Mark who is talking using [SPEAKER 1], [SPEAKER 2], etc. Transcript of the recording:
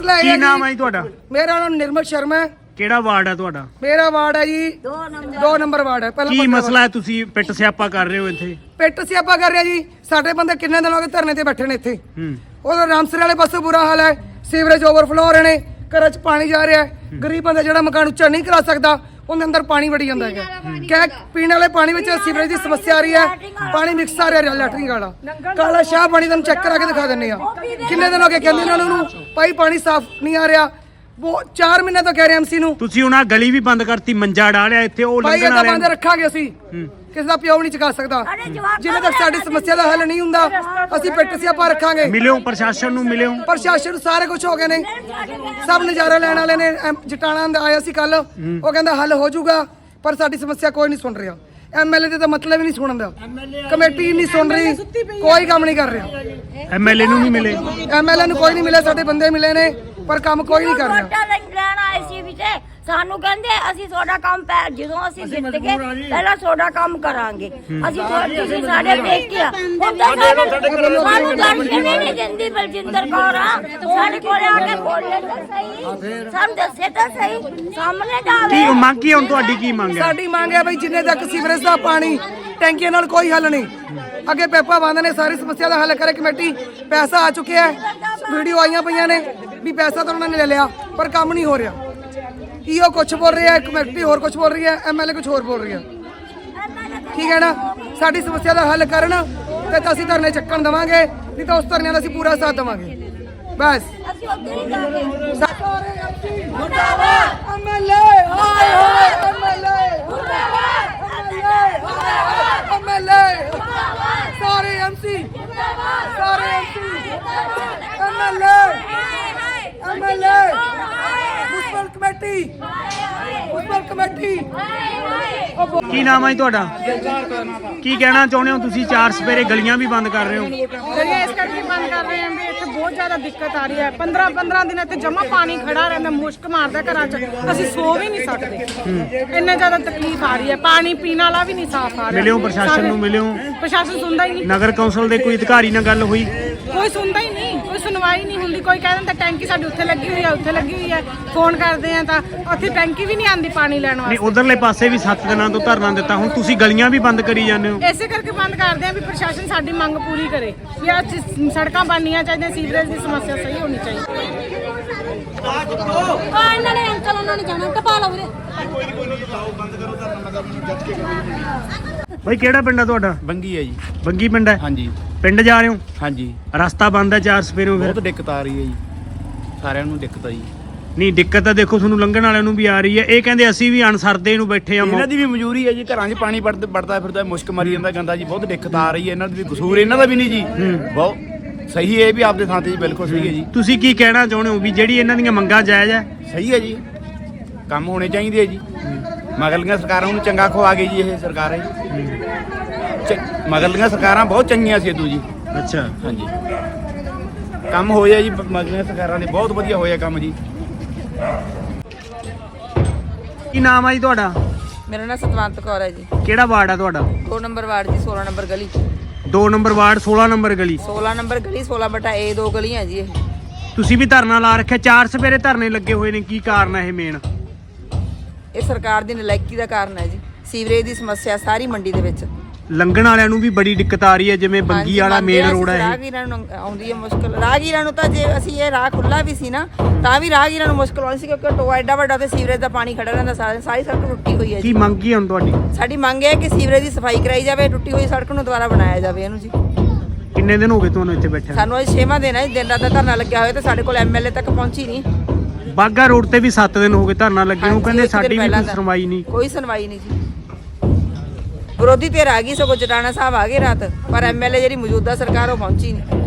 [SPEAKER 1] ਕੀ ਨਾਮ ਹੈ ਜੀ ਤੁਹਾਡਾ?
[SPEAKER 2] ਮੇਰਾ ਨਾਮ ਨਿਰਮਲ ਸ਼ਰਮਾ ਹੈ।
[SPEAKER 1] ਕਿਹੜਾ ਵਾਰਡ ਹੈ ਤੁਹਾਡਾ?
[SPEAKER 2] ਮੇਰਾ ਵਾਰਡ ਹੈ ਜੀ 2 ਨੰਬਰ ਵਾਰਡ ਹੈ।
[SPEAKER 1] ਕੀ ਮਸਲਾ ਹੈ? ਤੁਸੀਂ ਪਿੱਟ ਸਿਆਪਾ ਕਰ ਰਹੇ ਹੋ ਇੱਥੇ?
[SPEAKER 2] ਪਿੱਟ ਸਿਆਪਾ ਕਰ ਰਿਹਾ ਜੀ। ਸਾਡੇ ਬੰਦੇ ਕਿੰਨੇ ਦਿਨ ਹੋ ਗਏ ਧਰਨੇ ਤੇ ਬੈਠੇ ਨੇ ਇੱਥੇ। ਉਹ ਰਾਮਸਰ ਵਾਲੇ ਪਾਸੇ ਬੁਰਾ ਹਾਲ ਹੈ, ਸੀਵਰੇਜ ਓਵਰਫਲੋ ਹੋ ਰਹੇ ਨੇ, ਘਰਾਂ 'ਚ ਪਾਣੀ ਜਾ ਰਿਹਾ ਹੈ। ਗਰੀਬ ਬੰਦਾ ਜਿਹੜਾ ਮਕਾਨ ਉੱਚਾ ਨਹੀਂ ਕਰਾ ਸਕਦਾ ਉਹਦੇ ਅੰਦਰ ਪਾਣੀ ਵੜੀ ਜਾਂਦਾ ਹੈਗਾ। ਕਹਿ ਪੀਣ ਵਾਲੇ ਪਾਣੀ ਵਿੱਚ ਸੀਵਰੇਜ ਦੀ ਸਮੱਸਿਆ ਆ ਰਹੀ ਹੈ, ਪਾਣੀ ਮਿਕਸ ਆ ਰਿਹਾ ਲੈਟਰਿੰਗ ਵਾਲਾ ਕਾਲਾ ਸ਼ਾਹ ਪਾਣੀ। ਤੁਹਾਨੂੰ ਚੈੱਕ ਕਰਾ ਕੇ ਦਿਖਾ ਦਿੰਨੇ ਆ। ਕਿੰਨੇ ਦਿਨ ਹੋ ਗਏ ਕਹਿੰਦੇ ਇਹਨਾਂ ਨੂੰ ਭਾਈ ਪਾਣੀ ਸਾਫ਼ ਨਹੀਂ ਆ ਰਿਹਾ। ਉਹ 4 ਮਹੀਨੇ ਤੋਂ ਕਹਿ ਰਹੇ ਐਮਸੀ ਨੂੰ।
[SPEAKER 1] ਤੁਸੀਂ ਉਹਨਾਂ ਗਲੀ ਵੀ ਬੰਦ ਕਰਤੀ, ਮੰਜਾ ਡਾਲਿਆ ਇੱਥੇ, ਉਹ
[SPEAKER 2] ਭਾਈ
[SPEAKER 1] ਲੰਘਣ
[SPEAKER 2] ਇਹਦਾ
[SPEAKER 1] ਵਾਲੇ
[SPEAKER 2] ਬੰਦ ਰੱਖਾਂਗੇ ਅਸੀਂ। ਕਿਸੇ ਦਾ ਪਿਓ ਨਹੀਂ ਚੁਕਾ ਸਕਦਾ ਜਿੰਨੇ ਤੱਕ ਸਾਡੀ ਸਮੱਸਿਆ ਦਾ ਹੱਲ ਨਹੀਂ ਹੁੰਦਾ। ਅਸੀਂ ਪਿੱਟ ਸਿਆਪਾ ਰੱਖਾਂਗੇ।
[SPEAKER 1] ਮਿਲਿਓ ਪ੍ਰਸ਼ਾਸਨ ਨੂੰ, ਮਿਲਿਓ
[SPEAKER 2] ਪ੍ਰਸ਼ਾਸਨ ਨੂੰ, ਸਾਰੇ ਕੁਝ ਹੋ ਗਏ ਨੇ। ਸਭ ਨਜ਼ਾਰਾ ਲੈਣ ਵਾਲੇ ਨੇ। ਜਟਾਣਾ ਆਇਆ ਸੀ ਕੱਲ, ਉਹ ਕਹਿੰਦਾ ਹੱਲ ਹੋ ਜਾਊਗਾ, ਪਰ ਸਾਡੀ ਸਮੱਸਿਆ ਕੋਈ ਨਹੀਂ ਸੁਣ ਰਿਹਾ। ਐਮਐਲਏ ਦੇ ਤਾਂ ਮਤਲਬ ਹੀ ਨਹੀਂ ਸੁਣਨ ਦਾ, ਕਮੇਟੀ ਨਹੀਂ ਸੁਣ ਰਹੀ, ਕੋਈ ਕੰਮ ਨਹੀਂ ਕਰ ਰਿਹਾ।
[SPEAKER 1] ਐਮਐਲਏ ਨੂੰ ਨਹੀਂ ਮਿਲੇ?
[SPEAKER 2] ਐਮਐਲਏ ਨੂੰ ਕੋਈ ਨਹੀਂ ਮਿਲਿਆ, ਸਾਡੇ ਬੰਦੇ ਮਿਲੇ ਨੇ ਪਰ ਕੰਮ ਕੋਈ ਨਹੀਂ ਕਰ ਰਿਹਾ।
[SPEAKER 3] ਲੈਣ ਆਏ ਸੀ ਵਿੱਚ ਸਾਨੂੰ ਕਹਿੰਦੇ ਅਸੀਂ ਤੁਹਾਡਾ ਕੰਮ ਜਦੋਂ ਅਸੀਂ ਜਿੱਤ ਗਏ ਪਹਿਲਾਂ ਤੁਹਾਡਾ ਕੰਮ ਕਰਾਂਗੇ। ਅਸੀਂ ਤੁਸੀਂ ਸਾਡੇ ਦੇਖ ਕੇ ਸਾਨੂੰ ਦਰਸ਼ਨ ਨਹੀਂ ਦਿੰਦੀ ਬਲਜਿੰਦਰ ਕੌਰ ਸਾਡੇ ਕੋਲ ਆ ਕੇ ਬੋਲੇ ਤਾਂ ਸਹੀ, ਸਾਨੂੰ ਦੱਸੇ ਤਾਂ ਸਹੀ, ਸਾਹਮਣੇ ਤਾਂ
[SPEAKER 1] ਕੀ ਮੰਗ ਕੀ ਹੁਣ ਤੁਹਾਡੀ? ਕੀ ਮੰਗ ਹੈ?
[SPEAKER 2] ਸਾਡੀ ਮੰਗ ਹੈ ਬਈ ਜਿੰਨੇ ਤੱਕ ਸੀਵਰੇਜ ਦਾ ਪਾਣੀ ਟੈਂਕੀਆਂ ਨਾਲ ਕੋਈ ਹੱਲ ਨਹੀਂ। ਅੱਗੇ ਪੈਪਾ ਬੰਦ ਨੇ, ਸਾਰੀ ਸਮੱਸਿਆ ਦਾ ਹੱਲ ਕਰੇ ਕਮੇਟੀ। ਪੈਸਾ ਆ ਚੁੱਕਿਆ ਹੈ, ਵੀਡੀਓ ਆਈਆਂ ਪਈਆਂ ਨੇ ਵੀ ਪੈਸਾ ਤਾਂ ਉਹਨਾਂ ਨੇ ਲੈ ਲਿਆ ਪਰ ਕੰਮ ਨਹੀਂ ਹੋ ਰਿਹਾ। ਈਓ ਕੁਛ ਬੋਲ ਰਿਹਾ ਹੈ, ਕਮੇਟੀ ਹੋਰ ਕੁਛ ਬੋਲ ਰਹੀ ਹੈ, ਐਮਐਲਏ ਕੁਛ ਹੋਰ ਬੋਲ ਰਹੀ ਹੈ। ਠੀਕ ਹੈ ਨਾ? ਸਾਡੀ ਸਮੱਸਿਆ ਦਾ ਹੱਲ ਕਰਨ ਤੇ ਤਾਂ ਅਸੀਂ ਧਰਨੇ ਚੱਕਣ ਦੇਵਾਂਗੇ, ਨਹੀਂ ਤਾਂ ਉਸ ਧਰਨੇ ਦਾ ਅਸੀਂ ਪੂਰਾ ਸਾਥ ਦੇਵਾਂਗੇ। ਬਸ
[SPEAKER 3] ਅਸੀਂ ਉੱਧਰ ਹੀ ਜਾਵਾਂਗੇ।
[SPEAKER 2] ਮੁਰਦਾਬਾਦ ਐਮਐਲਏ, ਹਾਏ ਹਾਏ ਐਮਐਲਏ,
[SPEAKER 3] ਮੁਰਦਾਬਾਦ
[SPEAKER 2] ਐਮਐਲਏ, ਸਾਰੇ ਐਮਸੀ, ਸਾਰੇ MC, MLA, MLA, municipal committee, municipal committee.
[SPEAKER 1] ਕੀ ਨਾਮ ਹੈ ਜੀ ਤੁਹਾਡਾ? ਕੀ ਕਹਿਣਾ ਚਾਹੁੰਦੇ ਹੋ ਤੁਸੀਂ? 4 ਸਪੇਰੇ ਗਲੀਆਂ ਵੀ ਬੰਦ ਕਰ ਰਹੇ ਹੋ?
[SPEAKER 4] ਗਲੀਆਂ ਇਸ ਕਰਕੇ ਬੰਦ ਕਰ ਰਹੇ ਹਾਂ ਵੀ ਇੱਥੇ ਬਹੁਤ ਜ਼ਿਆਦਾ ਦਿੱਕਤ ਆ ਰਹੀ ਹੈ। 15 ਦਿਨ ਇੱਥੇ ਜਮਾ ਪਾਣੀ ਖੜਾ ਰਹਿੰਦਾ, ਮੁਸ਼ਕ ਮਾਰਦਾ ਘਰਾਂ 'ਚ, ਅਸੀਂ ਸੋ ਵੀ ਨਹੀਂ ਸਕਦੇ। ਇੰਨੇ ਜ਼ਿਆਦਾ ਤਕਲੀਫ ਆ ਰਹੀ ਹੈ। ਪਾਣੀ ਪੀਣ ਵਾਲਾ ਵੀ ਨਹੀਂ ਸਾਫ਼ ਆ ਰਿਹਾ।
[SPEAKER 1] ਮਿਲਿਓ ਪ੍ਰਸ਼ਾਸਨ ਨੂੰ, ਮਿਲਿਓ?
[SPEAKER 4] ਪ੍ਰਸ਼ਾਸਨ ਸੁਣਦਾ ਹੀ ਨਹੀਂ।
[SPEAKER 1] ਨਗਰ ਕੌਂਸਲ ਦੇ ਕੋਈ ਅਧਿਕਾਰੀ ਨਾਲ ਗੱਲ ਹੋਈ?
[SPEAKER 4] ਕੋਈ ਸੁਣਦਾ ਹੀ ਨਹੀਂ, ਕੋਈ ਸੁਣਵਾਈ ਨਹੀਂ ਹੁੰਦੀ। ਕੋਈ ਕਹਿ ਦਿੰਦਾ ਟੈਂਕੀ ਸਾਡੀ ਉੱਥੇ ਲੱਗੀ ਹੋਈ ਹੈ, ਉੱਥੇ ਲੱਗੀ ਹੋਈ ਹੈ। ਫੋਨ ਕਰਦੇ ਆ ਤਾਂ ਉੱਥੇ ਟੈਂਕੀ ਵੀ ਨਹੀਂ ਆਉਂਦੀ ਪਾਣੀ ਲੈਣ
[SPEAKER 1] ਨਹੀਂ,
[SPEAKER 4] ਵਾਸਤੇ।
[SPEAKER 1] ਉਧਰਲੇ ਪਾਸੇ ਵੀ 7 ਦਿਨਾਂ ਤੋਂ ਧਰਨਾ ਦਿੱਤਾ, ਹੁਣ ਤੁਸੀਂ ਗਲੀਆਂ ਵੀ ਬੰਦ ਕਰੀ ਜਾਂਦੇ ਹੋ।
[SPEAKER 4] ਇਸੇ ਕਰਕੇ ਬੰਦ ਕਰਦੇ ਆ ਵੀ ਪ੍ਰਸ਼ਾਸਨ ਸਾਡੀ ਮੰਗ ਪੂਰੀ ਕਰੇ ਵੀ ਆਹ ਸੜਕਾਂ ਬਣਨੀਆਂ ਚਾਹੀਦੀਆਂ, ਸੀਵਰੇਜ ਦੀ ਸਮੱਸਿਆ ਸਹੀ ਹੋਣੀ ਚਾਹੀਦੀ।
[SPEAKER 3] ਇਹਨਾਂ ਨੇ ਅੰਕਲ ਉਹਨਾਂ ਨੇ ਜਾਣਾ ਟਪਾ ਲਓ ਵੀਰੇ।
[SPEAKER 1] ਭਾਈ ਕਿਹੜਾ ਪਿੰਡ ਹੈ ਤੁਹਾਡਾ?
[SPEAKER 5] ਬੰਗੀ ਹੈ ਜੀ।
[SPEAKER 1] ਬੰਗੀ ਪਿੰਡ ਹੈ?
[SPEAKER 5] ਹਾਂਜੀ
[SPEAKER 1] ਪਿੰਡ ਜਾ ਰਹੇ ਹੋ?
[SPEAKER 5] ਹਾਂਜੀ।
[SPEAKER 1] ਰਸਤਾ ਬੰਦ ਹੈ 4 ਸਪੇਰੇ ਫਿਰ?
[SPEAKER 5] ਬਹੁਤ ਦਿੱਕਤ ਆ ਰਹੀ ਹੈ ਜੀ, ਸਾਰਿਆਂ ਨੂੰ ਦਿੱਕਤ ਆ ਜੀ।
[SPEAKER 1] ਨਹੀਂ, ਦਿੱਕਤ ਤਾਂ ਦੇਖੋ ਤੁਹਾਨੂੰ ਲੰਘਣ ਵਾਲਿਆਂ ਨੂੰ ਵੀ ਆ ਰਹੀ ਹੈ। ਇਹ ਕਹਿੰਦੇ ਅਸੀਂ ਵੀ ਅਣਸਰਦੇ ਨੂੰ ਬੈਠੇ ਆ।
[SPEAKER 5] ਇਹਨਾਂ ਦੀ ਵੀ ਮਜਬੂਰੀ ਹੈ ਜੀ, ਘਰਾਂ 'ਚ ਪਾਣੀ ਵੜਦਾ ਫਿਰਦਾ, ਮੁਸ਼ਕ ਮਰੀ ਜਾਂਦਾ ਗੰਦਾ ਜੀ। ਬਹੁਤ ਦਿੱਕਤ ਆ ਰਹੀ ਹੈ। ਇਹਨਾਂ ਦੀ ਵੀ ਕਸੂਰ ਇਹਨਾਂ ਦਾ ਵੀ ਨਹੀਂ ਜੀ। ਬਹੁਤ ਸਹੀ ਹੈ, ਇਹ ਵੀ ਆਪਦੇ ਥਾਂ ਤੇ ਜੀ ਬਿਲਕੁਲ ਸਹੀ ਹੈ ਜੀ।
[SPEAKER 1] ਤੁਸੀਂ ਕੀ ਕਹਿਣਾ ਚਾਹੁੰਦੇ ਹੋ ਵੀ ਜਿਹੜੀ ਇਹਨਾਂ ਦੀਆਂ ਮੰਗਾਂ ਜਾਇਜ਼ ਹੈ?
[SPEAKER 5] ਸਹੀ ਹੈ ਜੀ, ਕੰਮ ਹੋਣੇ ਚਾਹੀਦੇ ਹੈ ਜੀ। ਮਗਰਲੀਆਂ ਸਰਕਾਰਾਂ ਨੂੰ ਚੰਗਾ ਖਵਾ ਗਈ ਜੀ ਇਹ ਸਰਕਾਰ ਹੈ। ਮਗਰਲੀਆਂ ਸਰਕਾਰਾਂ ਬਹੁਤ ਚੰਗੀਆਂ ਸੀ ਇਦੋਂ ਜੀ।
[SPEAKER 1] ਅੱਛਾ,
[SPEAKER 5] ਹਾਂਜੀ, ਕੰਮ ਹੋਇਆ ਜੀ ਮਗਰਲੀਆਂ ਸਰਕਾਰਾਂ ਨੇ, ਬਹੁਤ ਵਧੀਆ ਹੋਇਆ ਕੰਮ ਜੀ।
[SPEAKER 1] ਕੀ ਨਾਮ ਹੈ ਜੀ ਤੁਹਾਡਾ?
[SPEAKER 6] ਮੇਰਾ ਨਾਮ ਸਤਵੰਤ ਕੌਰ ਹੈ ਜੀ।
[SPEAKER 1] ਕਿਹੜਾ ਵਾਰਡ ਹੈ ਤੁਹਾਡਾ?
[SPEAKER 6] 2 ਨੰਬਰ ਵਾਰਡ ਜੀ, 16 ਨੰਬਰ ਗਲੀ।
[SPEAKER 1] 2 ਨੰਬਰ ਵਾਰਡ, 16 ਨੰਬਰ ਗਲੀ।
[SPEAKER 6] 16 ਨੰਬਰ ਗਲੀ, 16/A 2 ਗਲੀਆਂ ਜੀ ਇਹ।
[SPEAKER 1] ਤੁਸੀਂ ਵੀ ਧਰਨਾ ਲਾ ਰੱਖਿਆ, 4 ਸਪੇਰੇ ਧਰਨੇ ਲੱਗੇ ਹੋਏ ਨੇ, ਕੀ ਕਾਰਨ ਹੈ ਇਹ ਮੇਨ?
[SPEAKER 6] ਇਹ ਸਰਕਾਰ ਦੀ ਨਲਾਇਕੀ ਦਾ ਕਾਰਨ ਹੈ ਜੀ। ਸੀਵਰੇਜ ਦੀ ਸਮੱਸਿਆ ਸਾਰੀ ਮੰਡੀ ਦੇ ਵਿੱਚ।
[SPEAKER 1] ਲੰਘਣ ਵਾਲਿਆਂ ਨੂੰ ਵੀ ਬੜੀ ਦਿੱਕਤ ਆ ਰਹੀ ਹੈ, ਜਿਵੇਂ ਬੰਗੀ ਵਾਲਾ ਮੇਨ ਰੋਡ ਹੈ ਇਹ।
[SPEAKER 6] ਰਾਹਗੀਰਾਂ ਨੂੰ ਆਉਂਦੀ ਹੈ ਮੁਸ਼ਕਲ। ਰਾਹਗੀਰਾਂ ਨੂੰ ਤਾਂ ਜੇ ਅਸੀਂ ਇਹ ਰਾਹ ਖੁੱਲਾ ਵੀ ਸੀ ਨਾ ਤਾਂ ਵੀ ਰਾਹਗੀਰਾਂ ਨੂੰ ਮੁਸ਼ਕਲ ਆਉਂਦੀ ਸੀ, ਕਿਉਂਕਿ ਟੋਆ ਐਡਾ ਵੱਡਾ ਤੇ ਸੀਵਰੇਜ ਦਾ ਪਾਣੀ ਖੜਾ ਰਹਿੰਦਾ, ਸਾਰੀ ਸੜਕ ਟੁੱਟੀ ਹੋਈ ਹੈ
[SPEAKER 1] ਕੀ
[SPEAKER 6] ਜੀ।
[SPEAKER 1] ਮੰਗ ਕੀ ਹੁਣ ਤੁਹਾਡੀ?
[SPEAKER 6] ਸਾਡੀ ਮੰਗ ਹੈ ਕਿ ਸੀਵਰੇਜ ਦੀ ਸਫਾਈ ਕਰਾਈ ਜਾਵੇ, ਟੁੱਟੀ ਹੋਈ ਸੜਕ ਨੂੰ ਦੁਬਾਰਾ ਬਣਾਇਆ ਜਾਵੇ ਇਹਨੂੰ ਜੀ।
[SPEAKER 1] ਕਿੰਨੇ ਦਿਨ ਹੋ ਗਏ ਤੁਹਾਨੂੰ ਇੱਥੇ ਬੈਠੇ?
[SPEAKER 6] ਸਾਨੂੰ ਅੱਜ 6ਵਾਂ ਦਿਨ ਹੈ, ਦਿਨ ਰਾਤ ਦਾ ਧਰਨਾ ਲੱਗਿਆ ਹੋਇਆ ਤੇ ਸਾਡੇ ਕੋਲ ਐਮਐਲਏ ਤੱਕ ਪਹੁੰਚੀ ਨਹੀਂ।
[SPEAKER 1] ਬਾਗਾ ਰੋਡ ਤੇ ਵੀ 7 ਦਿਨ ਹੋ ਗਏ ਧਰਨਾ ਲੱਗੇ ਨੂੰ, ਕਹਿੰਦੇ ਸਾਡੀ ਵੀ ਕੋਈ ਸੁਣਵਾਈ ਨਹੀਂ।
[SPEAKER 6] ਕੋਈ ਸੁਣਵਾਈ ਨਹੀਂ ਜੀ। ਵਿਰੋਧੀ ਧਿਰ ਆ ਗਈ, ਸਗੋਂ ਜਟਾਣਾ ਸਾਹਿਬ ਆ ਗਏ ਰਾਤ, ਪਰ ਐਮਐਲਏ ਜਿਹੜੀ ਮੌਜੂਦਾ ਸਰਕਾਰ ਉਹ ਪਹੁੰਚੀ ਨਹੀਂ।